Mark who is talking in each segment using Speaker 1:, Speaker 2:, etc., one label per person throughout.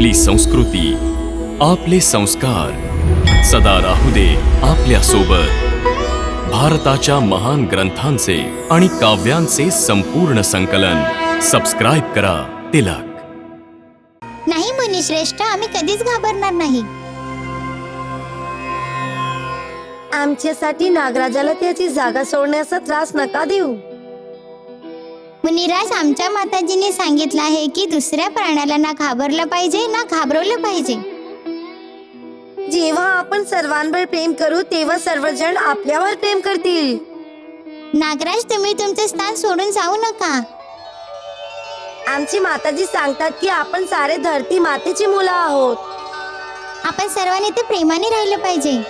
Speaker 1: आपली संस्कृती, आपले संस्कार सदा राहू दे आपल्या सोबत। भारताच्या महान ग्रंथांचे आणि काव्यांचे संपूर्ण संकलन सबस्क्राइब करा तिलक।
Speaker 2: नाही मुनिश्रेष्ठ, आम्ही कधीच घाबरणार नाही।
Speaker 3: आमच्यासाठी नागराजाला त्याची जागा सोडण्याचा त्रास नका देऊ।
Speaker 2: मुनिराज, आमच्या माताजींनी सांगितलं आहे की दुसऱ्या प्राण्याला ना घाबरलं पाहिजे ना घाबरवलं पाहिजे।
Speaker 3: जेव्हा आपण सर्वांवर प्रेम करू तेव्हा सर्वजण आपल्यावर प्रेम करतील।
Speaker 2: नागराज, तुम्ही तुमचे स्थान सोडून जाऊ नका।
Speaker 3: आमची माताजी सांगतात की आपण सारे धरती मातेची मुलं आहोत।
Speaker 2: आपण सर्वांनी ते प्रेमाने राहिलं पाहिजे।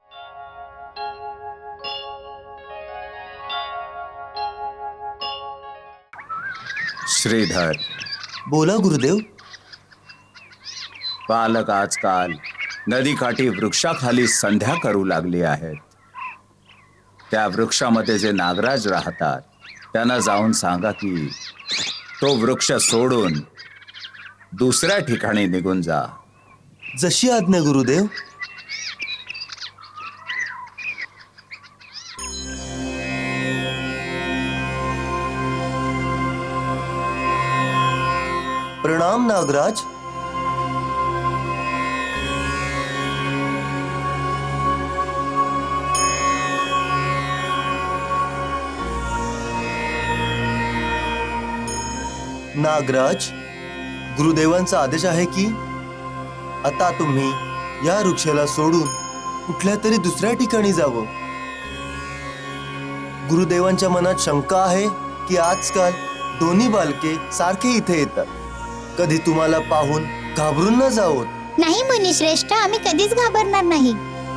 Speaker 4: श्रीधर,
Speaker 5: बोला गुरुदेव।
Speaker 4: बालक आजकाल नदीकाठी वृक्षाखाली संध्या करू लागली आहेत। त्या वृक्षामध्ये जे नागराज राहतात त्यांना जाऊन सांगा की तो वृक्ष सोडून दुसऱ्या ठिकाणी निघून जा।
Speaker 5: जशी आज्ञा गुरुदेव। प्रणाम नागराज। नागराज, गुरुदेवांचा आदेश आहे की आता तुम्ही या वृक्षाला सोडून कुठल्या तरी दुसऱ्या ठिकाणी जावं। गुरुदेवांच्या मनात शंका आहे की आजकाल दोन्ही बालके सारखे इथे येतात। कधी तुम्हाला पाहून घाबरून न जावोत।
Speaker 2: नाही मुनिश्रेष्ठ, आम्ही कधीच घाबरणार नाही।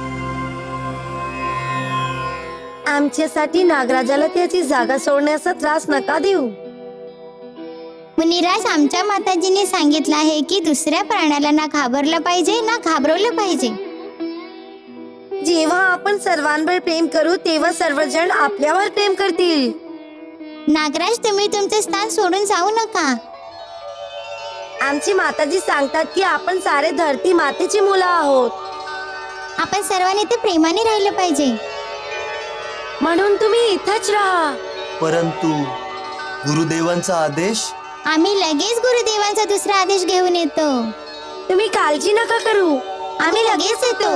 Speaker 3: आमच्यासाठी नागराजाला त्याची जागा सोडण्याचा त्रास नका देऊ।
Speaker 2: मुनिराज, आमच्या माताजींनी सांगितलं आहे की दुसऱ्या प्राण्याला ना घाबरलं पाहिजे ना घाबरवलं पाहिजे।
Speaker 3: जेव्हा आपण सर्वांवर प्रेम करू तेव्हा सर्वजण आपल्यावर प्रेम करतील।
Speaker 2: नागराज, तुम्ही तुमचे स्थान सोडून जाऊ नका।
Speaker 3: आमची माताजी सांगतात की आपण सारे धरती मातेची मुलं आहोत।
Speaker 2: आपण सर्वांनी ते प्रेमाने राहिलं पाहिजे।
Speaker 3: म्हणून तुम्ही इथंच राहा।
Speaker 5: परंतु गुरुदेवांचा आदेश।
Speaker 2: आम्ही लगेच गुरुदेवांचा दुसरा आदेश घेऊन येतो।
Speaker 3: तुम्ही काळजी नका करू,
Speaker 2: आम्ही लगेच येतो।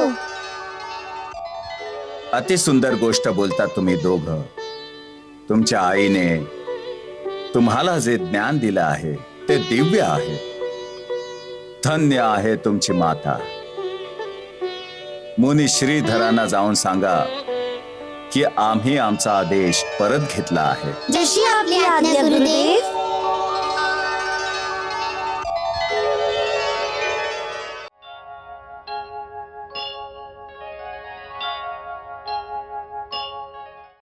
Speaker 4: अति सुंदर गोष्ट बोलता तुम्ही दोघं। तुमच्या आईने तुम्हाला जे ज्ञान दिलं आहे ते दिव्य आहे। धन्य आहे तुमची माता। मुनी श्रीधरांना जाऊन सांगा की आम्ही आमचा आदेश परत घेतला आहे।
Speaker 2: जशी आपली आज्ञा गुरुदेव।